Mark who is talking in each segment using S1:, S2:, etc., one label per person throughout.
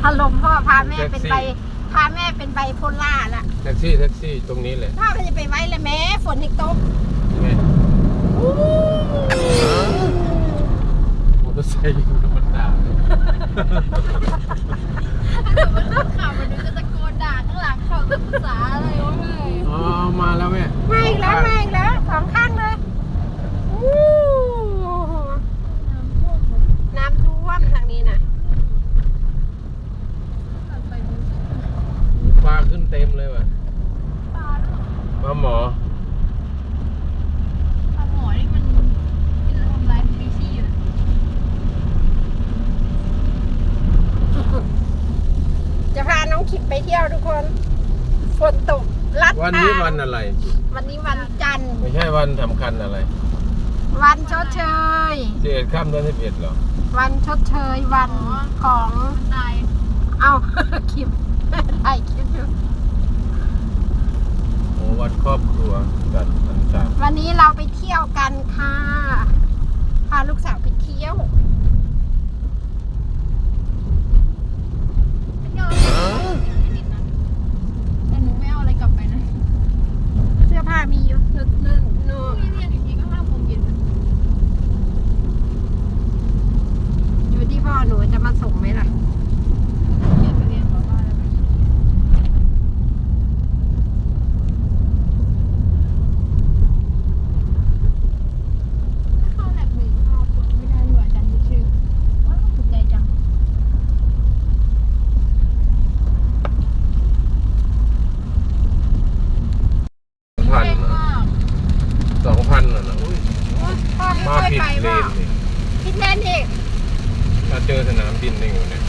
S1: อารมณ์พ่อพาแม่เป็นใบพาแม่เป็นไบโพล่าละ
S2: แท็กซี่ตรงนี้แหละ
S1: พ่อก็จะไปไว้เลยแม่ฝนอีกตก
S2: มอเตอร์ไซค์อยู่ธรรมดา
S3: ถ้าเกิดว่านักข่าวมันจะตะโกนด่าข้างหลังเขาจะภาษาอะไรวะแม่
S2: อ๋อมาแล้วแม่
S1: มาอีกแล้วสองข้างเลยน้ำท่วมทางนี้นะ
S2: ปลาขึ้นเต็มเลยว่ะปลาหมอ
S3: นี่มันทำลายสปีชีส์
S1: จะพาน้องขิดไปเที่ยวทุกคนฝนตกลัด
S2: วันนี้วันอะไร
S1: วันนี้วันจันทร์
S2: ไม่ใช่วันสำคัญอะไร
S1: วันชดเชย
S2: 11 ค่ำเดือน 11เหรอ
S1: วันชดเชยวันของ
S3: ตาย
S1: เอาคลิปถ่ายคลิปอยู่
S2: โอ้วันครอบครัวกัน
S1: วันนี้เราไปเที่ยวกันค่ะพาลูกสาวไปเที่ยว
S3: แต่หนูไม่เอาอะไรกลับไปนะ
S1: เสื้อผ้ามีอยู่นู่น
S3: มีเรียนอีกทีก็5 โมงเย็น
S1: อยู่ที่พ่อหนูจะมาส่งไหมล่ะ
S3: เรียนไปเรียนบ้านแล้วเข้าแลบหนึ่งเข้าไม่ได้หน่วยอาจารย์ชื่อถูกใจจัง
S2: 2,000เหรอนะ
S1: พ่อไม่
S2: มา
S1: ค่อย
S2: ผิด
S1: ไป
S2: เล
S1: ว่าน
S2: นี่
S1: ผิดเลนอีก
S2: ถ้าเจอสนามบินนี่อยู่เนี่ย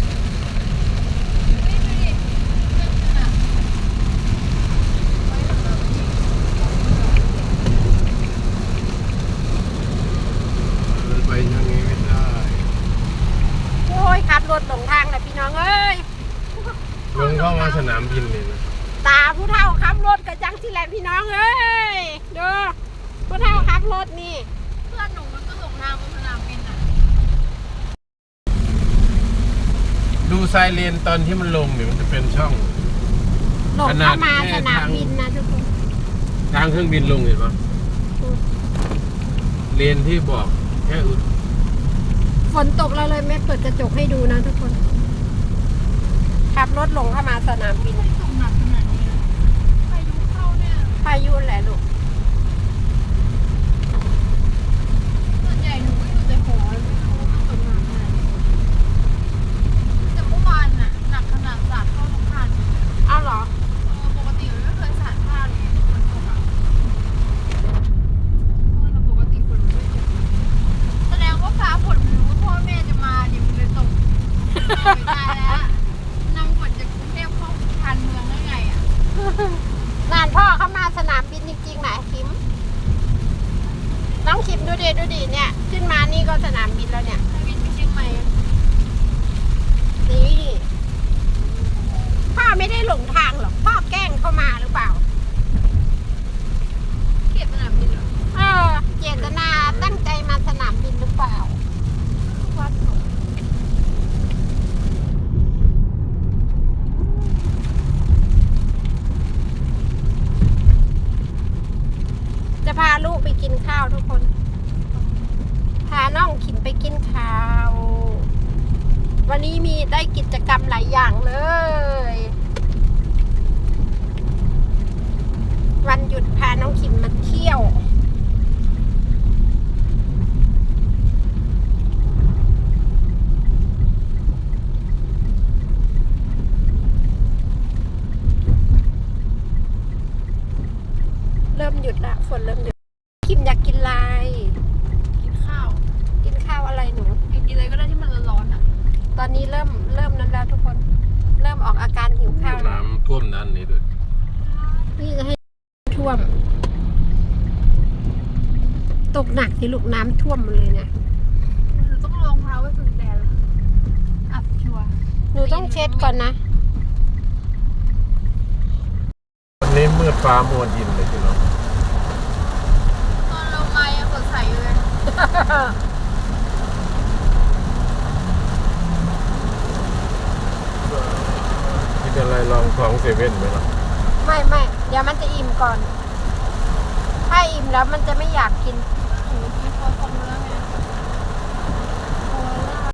S2: ไปทางนี้ไม่ได้
S1: โอ้ยขับรถหลงทางเลยพี่น้องเอ้ย
S2: ลงเข้ามาสนามบินเลยนะ
S1: ตาผู้เฒ่าขับรถกับจังสิแหละพี่น้องเอ้ยดูผู้เฒ่าขับรถนี่
S3: เพื่อนหนูมันก็หลงทางบนสนามบินอ่ะ
S2: ดูไซเรนตอนที่มันลงเนี่ยมันจะเป็นช่อง
S1: หลงเข้ามาสนามบินนะทุกคน
S2: ทางเครื่องบินลงเห็นปะเลนที่บอกแค่
S1: ฝนตกเราเลยไม่เปิดกระจกให้ดูนะทุกคนขับรถหลงเข้ามาสนามบิน
S3: ตกหนักขนาดนี้พายุเข้าเนี่ย
S1: พายุแหละลูก
S3: ส่วนใหญ่หนูก็อยู่แต่หอไม่รู้ว่ามันตกหนักขนาดนี้แต่เมื่อวานน่ะหนักขนาดสาดเข้าทุกคัน
S1: อ้าวเหรอ
S3: ปกติมันไม่เคยสาดพลาดเลยฝนตกอ่ะแต่ปกติฝนมันไม่ตกแสดงว่าฟ้าฝนมันรู้ว่าพ่อแม่จะมาเนี่ยมันเลยตกไม่ได้แล้วนำฝนจากกรุงเทพเข้าชานเมืองได้ไงอ่ะ
S1: นานพ่อเข้ามาสนามบินจริงๆนะคิมน้องคิมดูดิเนี่ยขึ้นมานี่ก็สนามบินแล้วเนี่ย
S3: บินไปเชียงใหม่
S1: นี่พ่อไม่ได้หลงทางหรอกพ่อแกล้งเข้ามาหรือเปล่า
S3: เขียนสนามบินเหรอ
S1: เจตนาตั้งใจมาสนามบินหรือเปล่า
S3: วัด
S1: จะพาลูกไปกินข้าวทุกคนพาน้องขิมไปกินข้าว วันนี้มีได้กิจกรรมหลายอย่างเลยวันหยุดพาน้องขิมมาเที่ยวเริ่มหยุดละฝนเริ่มหยุดขิมอยากกินอะไร
S3: กินข้าว
S1: อะไรหนู
S3: กินอะไรก็ได้ที่มันร้อนๆอ่ะ
S1: ตอนนี้เริ่มนั้นแล้วทุกคนเริ่มออกอาการหิวข้าว
S2: น้ำท่วมนั่นนี่ด้วย
S1: นี่จะให้ท่วมตกหนักที่ลูกน้ำท่วมเลยเนี่ย
S3: หนูต้องลงเท้าไว้ถึงแดดแล้วอับชัว
S1: หนูต้องเช็ดก่อนนะ
S2: วันนี้มืดฟ้ามัวดินเลยพี่น้อง
S3: ตอนเรามายังสดใสอยู่เลย
S2: ายลองของเซเว่นไหมล่ะ
S1: ไม่เดี๋ยวมันจะอิ่มก่อน ถ้าอิ่มแล้วมันจะไม่อยากกิน
S3: หนูกินคอของเนื้อไง